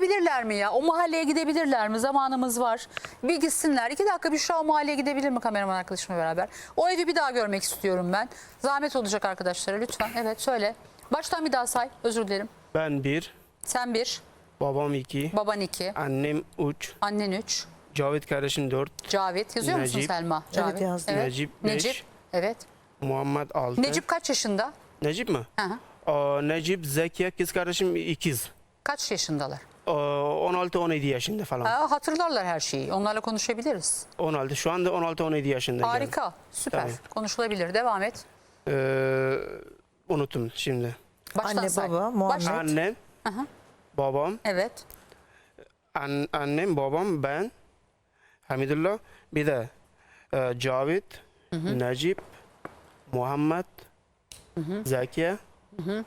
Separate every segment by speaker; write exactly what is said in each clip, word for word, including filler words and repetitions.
Speaker 1: gidebilirler mi ya? O mahalleye gidebilirler mi? Zamanımız var. Bir gitsinler. İki dakika Büşra o mahalleye gidebilir mi kameraman arkadaşımla beraber? O evi bir daha görmek istiyorum ben. Zahmet olacak arkadaşlara lütfen. Evet söyle. Baştan bir daha say. Özür dilerim.
Speaker 2: Ben bir.
Speaker 1: Sen bir.
Speaker 2: Babam iki.
Speaker 1: Baban iki.
Speaker 2: Annem üç.
Speaker 1: Annen üç.
Speaker 2: Cavit kardeşim dört.
Speaker 1: Cavit. Yazıyor musun
Speaker 2: Necip.
Speaker 1: Selma?
Speaker 3: Evet,
Speaker 1: Cavit.
Speaker 3: yazdım.
Speaker 2: Necip beş.
Speaker 1: Necip. Evet.
Speaker 2: Muhammed altı.
Speaker 1: Necip kaç yaşında?
Speaker 2: Necip mi?
Speaker 1: Hı hı.
Speaker 2: Aa, Necip, Zekiye kız kardeşim ikiz.
Speaker 1: Kaç yaşındalar?
Speaker 2: Aa, on altı on yedi yaşında falan.
Speaker 1: Aa, hatırlarlar her şeyi. Onlarla konuşabiliriz.
Speaker 2: on altı. Şu anda on altı on yedi yaşında.
Speaker 1: Harika.
Speaker 2: Yani.
Speaker 1: Süper.
Speaker 2: Tabii.
Speaker 1: Konuşulabilir. Devam et.
Speaker 2: Ee, unuttum şimdi.
Speaker 1: Baştan
Speaker 3: Anne,
Speaker 1: say.
Speaker 3: baba, Muhammed.
Speaker 1: Baş-
Speaker 2: Annem,
Speaker 1: Aha.
Speaker 2: babam,
Speaker 1: Evet.
Speaker 2: an, annem, babam, ben, Hamidullah, bir de e, Cavit,
Speaker 1: Hı hı.
Speaker 2: Necip, Muhammed,
Speaker 1: Hı hı.
Speaker 2: Zekiye
Speaker 1: Hı hı.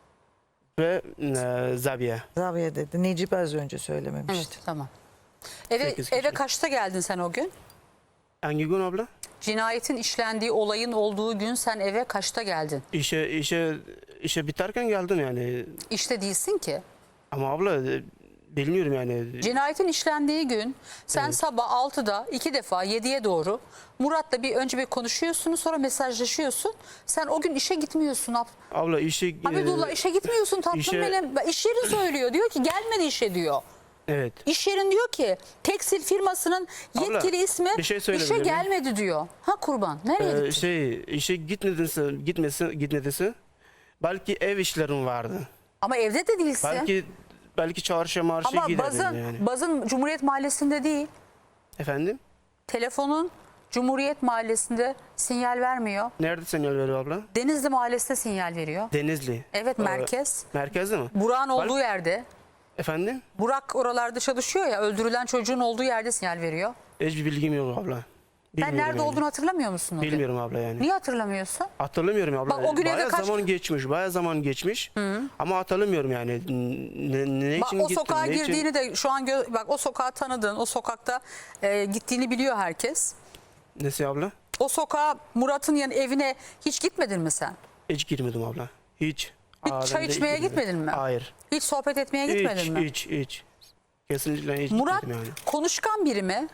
Speaker 2: ve e, Zabiye.
Speaker 3: Zaviye dedi. Necip az önce söylememişti.
Speaker 1: Evet. Tamam. Eve,
Speaker 2: Sekiz kişi.
Speaker 1: eve kaçta geldin sen o gün?
Speaker 2: Hangi gün abla?
Speaker 1: Cinayetin işlendiği olayın olduğu gün sen eve kaçta geldin?
Speaker 2: İşe işe işe biterken geldim yani.
Speaker 1: İşte değilsin ki.
Speaker 2: Ama abla e, bilmiyorum yani.
Speaker 1: Cinayetin işlendiği gün sen
Speaker 2: Evet.
Speaker 1: sabah altıda iki defa yediye doğru Murat'la bir önce bir konuşuyorsunuz, sonra mesajlaşıyorsun. Sen o gün işe gitmiyorsun. ab-
Speaker 2: Abla işe
Speaker 1: Hamidullah
Speaker 2: e,
Speaker 1: işe gitmiyorsun tatlım
Speaker 2: işe-
Speaker 1: benim. İş yeri söylüyor. Diyor ki gelmedi işe diyor.
Speaker 2: evet.
Speaker 1: İş yerin diyor ki tekstil firmasının yetkili
Speaker 2: Abla,
Speaker 1: ismi
Speaker 2: bir şey
Speaker 1: işe
Speaker 2: söyleyebilir miyim?
Speaker 1: gelmedi diyor. Ha kurban. Nereye
Speaker 2: Ee,
Speaker 1: gittin?
Speaker 2: şey işe gitmedinse gitmesi gitmediyse belki ev işlerim vardı.
Speaker 1: Ama evde de değilsin.
Speaker 2: Belki belki çarşı marşı
Speaker 1: Ama
Speaker 2: giderdim
Speaker 1: bazın,
Speaker 2: yani.
Speaker 1: bazın Cumhuriyet Mahallesi'nde değil.
Speaker 2: Efendim?
Speaker 1: Telefonun Cumhuriyet Mahallesi'nde sinyal vermiyor.
Speaker 2: Nerede sinyal veriyor abla?
Speaker 1: Denizli Mahallesi'nde sinyal veriyor.
Speaker 2: Denizli.
Speaker 1: Evet,
Speaker 2: Ee,
Speaker 1: merkez.
Speaker 2: merkezde mi?
Speaker 1: Burak'ın olduğu
Speaker 2: Bel-
Speaker 1: yerde.
Speaker 2: Efendim?
Speaker 1: Burak oralarda çalışıyor ya, öldürülen çocuğun olduğu yerde sinyal veriyor.
Speaker 2: Hiçbir bilgim yok abla.
Speaker 1: Sen
Speaker 2: Bilmiyorum
Speaker 1: nerede
Speaker 2: yani.
Speaker 1: olduğunu hatırlamıyor musun o gün?
Speaker 2: Bilmiyorum abla yani.
Speaker 1: Niye hatırlamıyorsun?
Speaker 2: Hatırlamıyorum abla.
Speaker 1: Bak, o gün evde
Speaker 2: bayağı
Speaker 1: kaç-
Speaker 2: zaman geçmiş, bayağı zaman geçmiş. Ama hatırlamıyorum yani. Ne, ne
Speaker 1: Bak
Speaker 2: için
Speaker 1: o
Speaker 2: gittim,
Speaker 1: sokağa
Speaker 2: ne için-
Speaker 1: girdiğini de şu an gö- bak o sokağı tanıdığın, o sokakta e, gittiğini biliyor herkes.
Speaker 2: Nesi abla?
Speaker 1: O sokağa Murat'ın yan evine hiç gitmedin mi sen?
Speaker 2: Hiç girmedim abla. Hiç.
Speaker 1: Hiç
Speaker 2: Aa,
Speaker 1: çay
Speaker 2: ben de
Speaker 1: içmeye
Speaker 2: girmedim.
Speaker 1: gitmedin mi?
Speaker 2: Hayır.
Speaker 1: Hiç sohbet etmeye gitmedin
Speaker 2: Hiç,
Speaker 1: mi?
Speaker 2: hiç, hiç. Kesinlikle hiç
Speaker 1: Murat
Speaker 2: gitmedim yani.
Speaker 1: konuşkan biri mi?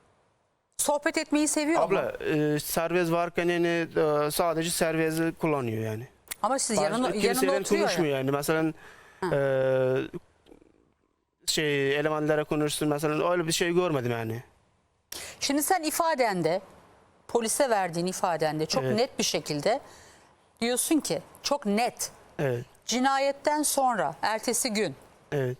Speaker 1: Sohbet etmeyi seviyor mu?
Speaker 2: Abla e, serbest varken yani e, sadece serbesti kullanıyor yani.
Speaker 1: Ama siz
Speaker 2: Baş-
Speaker 1: yanına, yanında
Speaker 2: kimseyle
Speaker 1: oturuyor
Speaker 2: konuşmuyor
Speaker 1: ya.
Speaker 2: yani. Mesela e, şey elemanlara konuşsun mesela öyle bir şey görmedim yani.
Speaker 1: Şimdi sen ifadende, polise verdiğin ifadende çok
Speaker 2: Evet.
Speaker 1: net bir şekilde diyorsun ki, çok net,
Speaker 2: Evet.
Speaker 1: cinayetten sonra ertesi gün
Speaker 2: Evet.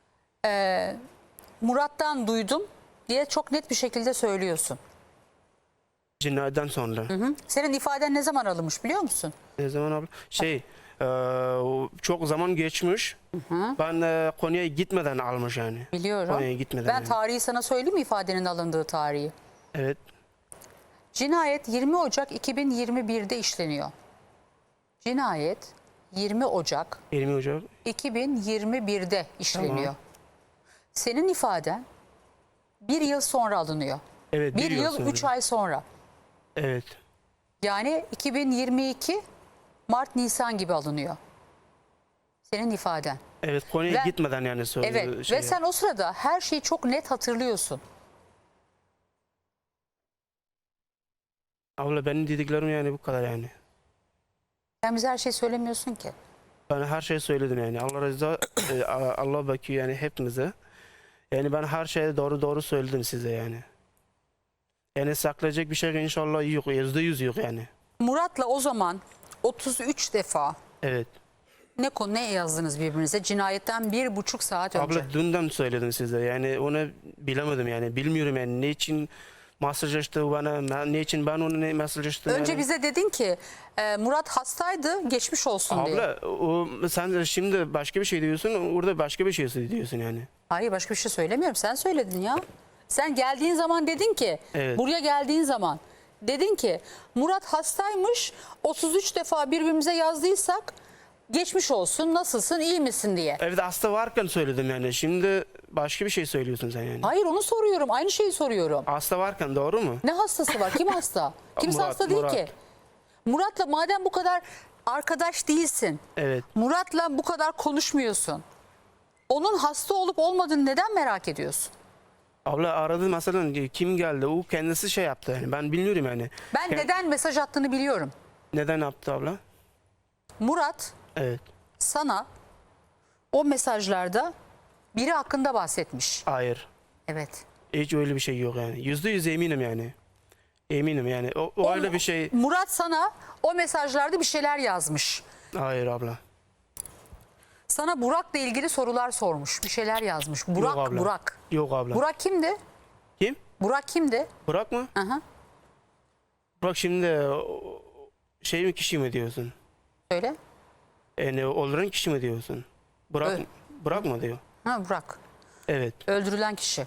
Speaker 1: Murat'tan duydum diye çok net bir şekilde söylüyorsun.
Speaker 2: Cinayetten sonra.
Speaker 1: Hı? Senin ifaden ne zaman alınmış biliyor musun?
Speaker 2: Ne zaman abla? Şey e, o çok zaman geçmiş. Ben e, Konya'ya gitmeden almış yani.
Speaker 1: Biliyorum.
Speaker 2: Konya'ya gitmeden.
Speaker 1: Ben
Speaker 2: yani.
Speaker 1: tarihi sana söyleyeyim mi, ifadenin alındığı tarihi?
Speaker 2: Evet.
Speaker 1: Cinayet yirmi Ocak iki bin yirmi bir'de işleniyor. Cinayet yirmi Ocak
Speaker 2: yirmi Ocak.
Speaker 1: iki bin yirmi bir'de işleniyor.
Speaker 2: Tamam.
Speaker 1: Senin ifaden bir yıl sonra alınıyor.
Speaker 2: Evet.
Speaker 1: Bir, yıl,
Speaker 2: sonra.
Speaker 1: üç ay sonra.
Speaker 2: Evet.
Speaker 1: Yani iki bin yirmi iki Mart Nisan gibi alınıyor. Senin ifaden.
Speaker 2: Evet. Konya'ya
Speaker 1: Ve-
Speaker 2: gitmeden yani söyledi.
Speaker 1: Evet
Speaker 2: şey
Speaker 1: ve sen o sırada her şeyi çok net hatırlıyorsun.
Speaker 2: Abla benim dediklerim yani bu kadar yani.
Speaker 1: Sen bize her şeyi söylemiyorsun ki.
Speaker 2: Ben her şeyi söyledim yani. Allah razı e, Allah bakıyor yani hepimize. Yani ben her şeyi doğru doğru söyledim size yani. Yani saklayacak bir şey inşallah yok. Yüzde yüz yok yani.
Speaker 1: Murat'la o zaman otuz üç defa
Speaker 2: Evet.
Speaker 1: ne konu ne yazdınız birbirinize? Cinayetten bir buçuk saat önce.
Speaker 2: Abla dünden söyledim size. Yani onu bilemedim yani. Bilmiyorum yani. Ne için mesajlaştı bana, ne için ben onu ne mesajlaştım
Speaker 1: Önce
Speaker 2: yani.
Speaker 1: bize dedin ki e, Murat hastaydı, geçmiş olsun diye.
Speaker 2: Abla o, sen de şimdi başka bir şey diyorsun, orada başka bir şey diyorsun yani.
Speaker 1: Hayır, başka bir şey söylemiyorum. Sen söyledin ya. Sen geldiğin zaman dedin ki,
Speaker 2: Evet.
Speaker 1: buraya geldiğin zaman dedin ki Murat hastaymış, otuz üç defa birbirimize yazdıysak geçmiş olsun, nasılsın, iyi misin diye.
Speaker 2: Evde hasta varken söyledim yani. Şimdi başka bir şey söylüyorsun sen yani.
Speaker 1: Hayır, onu soruyorum, aynı şeyi soruyorum.
Speaker 2: Hasta varken doğru mu?
Speaker 1: Ne hastası var? Kim hasta? Kimse
Speaker 2: Murat,
Speaker 1: hasta değil
Speaker 2: Murat.
Speaker 1: ki. Murat'la madem bu kadar arkadaş değilsin,
Speaker 2: Evet.
Speaker 1: Murat'la bu kadar konuşmuyorsun, Onun hasta olup olmadığını neden merak ediyorsun?
Speaker 2: Abla aradı mesela, kim geldi? O kendisi şey yaptı yani. Ben bilmiyorum yani.
Speaker 1: Ben
Speaker 2: Kend-
Speaker 1: neden mesaj attığını biliyorum.
Speaker 2: Neden yaptı abla?
Speaker 1: Murat
Speaker 2: Evet.
Speaker 1: sana o mesajlarda biri hakkında bahsetmiş.
Speaker 2: Hayır.
Speaker 1: Evet.
Speaker 2: Hiç öyle bir şey yok yani. Yüzde yüz eminim yani. Eminim yani. O, o öyle bir şey.
Speaker 1: Murat sana o mesajlarda bir şeyler yazmış.
Speaker 2: Hayır abla.
Speaker 1: Sana Burak'la ilgili sorular sormuş. Bir şeyler yazmış. Burak,
Speaker 2: Yok abla.
Speaker 1: Burak.
Speaker 2: Yok abla.
Speaker 1: Burak kimdi?
Speaker 2: Kim?
Speaker 1: Burak kimdi?
Speaker 2: Burak mı?
Speaker 1: Aha.
Speaker 2: Burak şimdi o- şey mi, kişi mi diyorsun?
Speaker 1: Söyle.
Speaker 2: Yani öldüren kişi mi diyorsun? Burak,
Speaker 1: Evet.
Speaker 2: Burak mı diyor?
Speaker 1: Ha, Burak.
Speaker 2: Evet.
Speaker 1: Öldürülen kişi.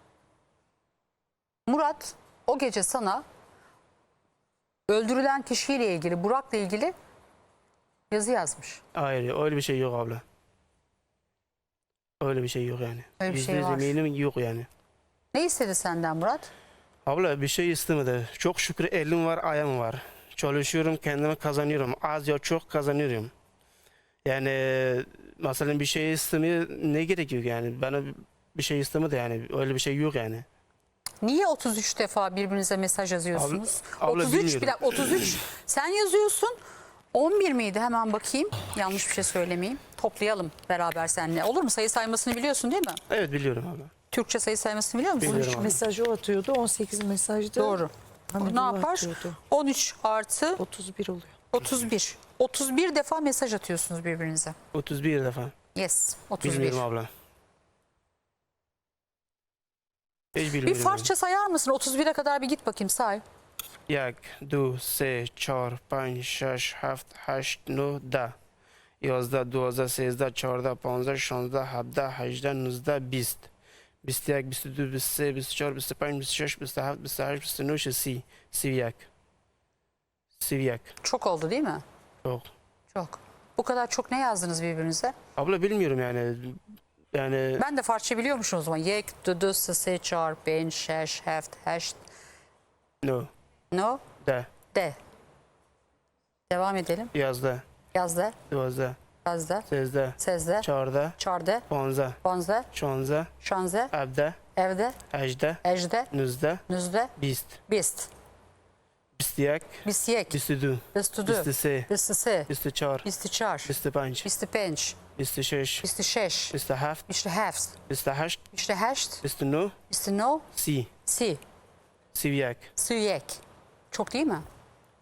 Speaker 1: Murat o gece sana öldürülen kişiyle ilgili, Burak'la ilgili yazı yazmış.
Speaker 2: Hayır, öyle bir şey yok abla. Öyle bir şey yok yani.
Speaker 1: Öyle bir
Speaker 2: Yüzde
Speaker 1: şey
Speaker 2: yüz
Speaker 1: var.
Speaker 2: eminim yok yani.
Speaker 1: Ne istedi senden Murat?
Speaker 2: Abla bir şey istemedi. Çok şükür elim var, ayağım var. Çalışıyorum, kendime kazanıyorum. Az ya çok kazanıyorum. Yani mesela bir şey istemeye ne gerekiyor yani? Bana bir şey istemedi yani. Öyle bir şey yok yani.
Speaker 1: Niye otuz üç defa birbirinize mesaj yazıyorsunuz?
Speaker 2: Abla- abla
Speaker 1: otuz üç,
Speaker 2: bilmiyorum.
Speaker 1: bir dakika, otuz üç sen yazıyorsun. on bir miydi? Hemen bakayım. Yanlış bir şey söylemeyeyim. Toplayalım beraber seninle. Olur mu? Sayı saymasını biliyorsun değil mi?
Speaker 2: Evet biliyorum abla.
Speaker 1: Türkçe sayı saymasını biliyor musun?
Speaker 2: Biliyorum.
Speaker 3: üç mesajı o atıyordu. on sekiz mesajda.
Speaker 1: Doğru.
Speaker 3: Hamidullah
Speaker 1: Ne yapar?
Speaker 3: atıyordu.
Speaker 1: on üç artı
Speaker 3: otuz bir oluyor.
Speaker 1: otuz bir. otuz bir defa mesaj atıyorsunuz birbirinize.
Speaker 2: otuz bir defa.
Speaker 1: Yes. otuz bir.
Speaker 2: Bilmiyorum abla. Hiç
Speaker 1: Bir
Speaker 2: bilmiyorum.
Speaker 1: farsça sayar mısın? otuz bire kadar bir git bakayım say.
Speaker 2: یک دو سه چهار پنج شش هفت هشت نه ده یازده دوازده سیزده چهارده پانزده شانزده هفده هجده نوزده بیست بیست و یک بیست و دو بیست و سه بیست و چهار بیست و پنج بیست و شش بیست و هفت بیست و هشت بیست و نه سی سی و یک سی و یک
Speaker 1: Çok oldu değil mi?
Speaker 2: Yok.
Speaker 1: Çok. Bu kadar çok ne yazdınız birbirinize?
Speaker 2: Abla bilmiyorum yani. Yani
Speaker 1: Ben de Farsça biliyormuşum o zaman. Yek, dudu, se, çar, ben, şeş, heft, heşt.
Speaker 2: no
Speaker 1: No,
Speaker 2: de
Speaker 1: de. Devam edelim.
Speaker 2: yazda
Speaker 1: Yazda,
Speaker 2: دوازده
Speaker 1: yazda,
Speaker 2: سیزده
Speaker 1: sezde,
Speaker 2: چهارده
Speaker 1: çarde,
Speaker 2: پانزده
Speaker 1: bonze,
Speaker 2: شانزده
Speaker 1: şanze,
Speaker 2: هفده
Speaker 1: evde,
Speaker 2: هجده
Speaker 1: ejde,
Speaker 2: نوزده
Speaker 1: nüzde,
Speaker 2: بیست
Speaker 1: bist,
Speaker 2: بیست و یک
Speaker 1: bisyek,
Speaker 2: بیست و دو
Speaker 1: bistudu,
Speaker 2: بیست و سه
Speaker 1: bistisi,
Speaker 2: بیست و چهار
Speaker 1: bistiçar,
Speaker 2: بیست و پنج
Speaker 1: bistipenç,
Speaker 2: بیست و شش
Speaker 1: bistişeş,
Speaker 2: بیست و هفت
Speaker 1: işte heft,
Speaker 2: بیست و هشت
Speaker 1: işte heşt,
Speaker 2: بیست و نه
Speaker 1: istino,
Speaker 2: سی
Speaker 1: si,
Speaker 2: سی و یک
Speaker 1: süyek. Çok değil mi?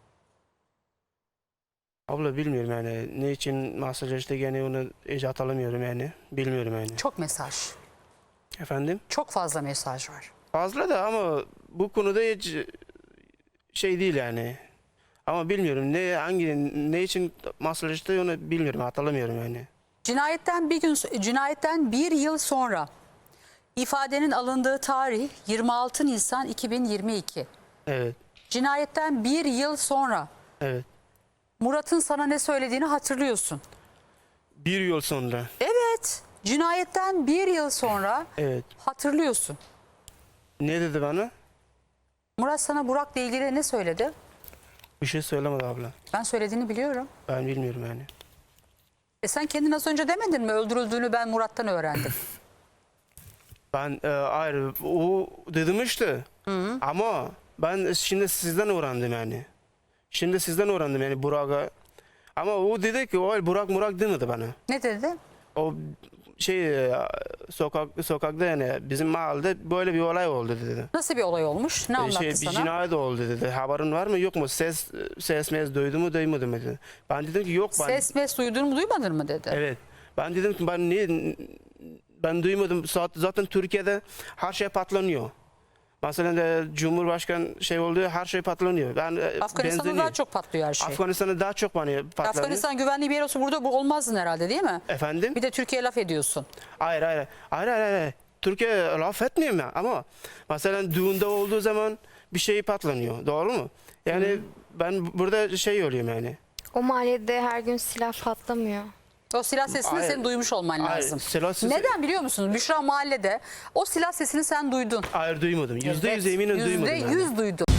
Speaker 2: Abla bilmiyorum yani ne için mesajlaştı yani onu hiç hatırlamıyorum yani bilmiyorum yani.
Speaker 1: Çok mesaj.
Speaker 2: Efendim?
Speaker 1: Çok fazla mesaj var.
Speaker 2: Fazla da ama bu konuda hiç şey değil yani. Ama bilmiyorum ne hangi ne için mesajlaştı onu bilmiyorum hatırlamıyorum yani.
Speaker 1: Cinayetten bir gün cinayetten bir yıl sonra ifadenin alındığı tarih yirmi altı Nisan iki bin yirmi iki.
Speaker 2: Evet.
Speaker 1: Cinayetten bir yıl sonra
Speaker 2: Evet.
Speaker 1: Murat'ın sana ne söylediğini hatırlıyorsun.
Speaker 2: Bir yıl sonra.
Speaker 1: Evet. Cinayetten bir yıl sonra
Speaker 2: Evet.
Speaker 1: hatırlıyorsun.
Speaker 2: Ne dedi bana?
Speaker 1: Murat sana Burak'la ilgili ne söyledi?
Speaker 2: Bir şey söylemedi abla.
Speaker 1: Ben söylediğini biliyorum.
Speaker 2: Ben bilmiyorum yani.
Speaker 1: E sen kendin az önce demedin mi? Öldürüldüğünü ben Murat'tan öğrendim.
Speaker 2: Ben e, ayrı o dedim işte. Ama ben şimdi sizden öğrendim yani. Şimdi sizden öğrendim yani Burak'a. Ama o dedi ki o Burak Murak demedi bana.
Speaker 1: Ne dedi?
Speaker 2: O şey e, sokak sokakta yani bizim mahallede böyle bir olay oldu dedi.
Speaker 1: Nasıl bir olay olmuş? Ne anlattı
Speaker 2: Şey, bir
Speaker 1: sana?
Speaker 2: cinayet oldu dedi. Haberin var mı yok mu? Ses ses mes duydu mu duymadı mı dedi. Ben dedim ki yok ben.
Speaker 1: Ses mes duydun mu duymadın mı dedi.
Speaker 2: Evet. Ben dedim ki ben niye ben duymadım. Zaten Türkiye'de her şey patlanıyor. Mesela de Cumhurbaşkanı şey oldu her şey patlanıyor. Ben
Speaker 1: Afganistan'da
Speaker 2: benzeniyor.
Speaker 1: daha çok patlıyor her şey.
Speaker 2: Afganistan'da daha çok bana patlanıyor.
Speaker 1: Afganistan güvenli bir yer olsa burada bu olmazdın herhalde değil mi?
Speaker 2: Efendim?
Speaker 1: Bir de Türkiye'ye laf ediyorsun.
Speaker 2: Hayır hayır. Hayır hayır hayır. Türkiye laf etmiyorum ya ama mesela düğünde olduğu zaman bir şey patlanıyor. Doğru mu? Yani ben burada şey oluyorum yani.
Speaker 4: O mahallede her gün silah patlamıyor.
Speaker 1: O silah sesini
Speaker 2: Hayır.
Speaker 1: senin duymuş olman
Speaker 2: Hayır,
Speaker 1: lazım.
Speaker 2: silah sesi-
Speaker 1: Neden biliyor musunuz? Büşra mahallede o silah sesini sen duydun.
Speaker 2: Hayır duymadım. Yüzde yüz
Speaker 1: Evet,
Speaker 2: eminim
Speaker 1: yüzde
Speaker 2: duymadım. yani.
Speaker 1: yüz duydun.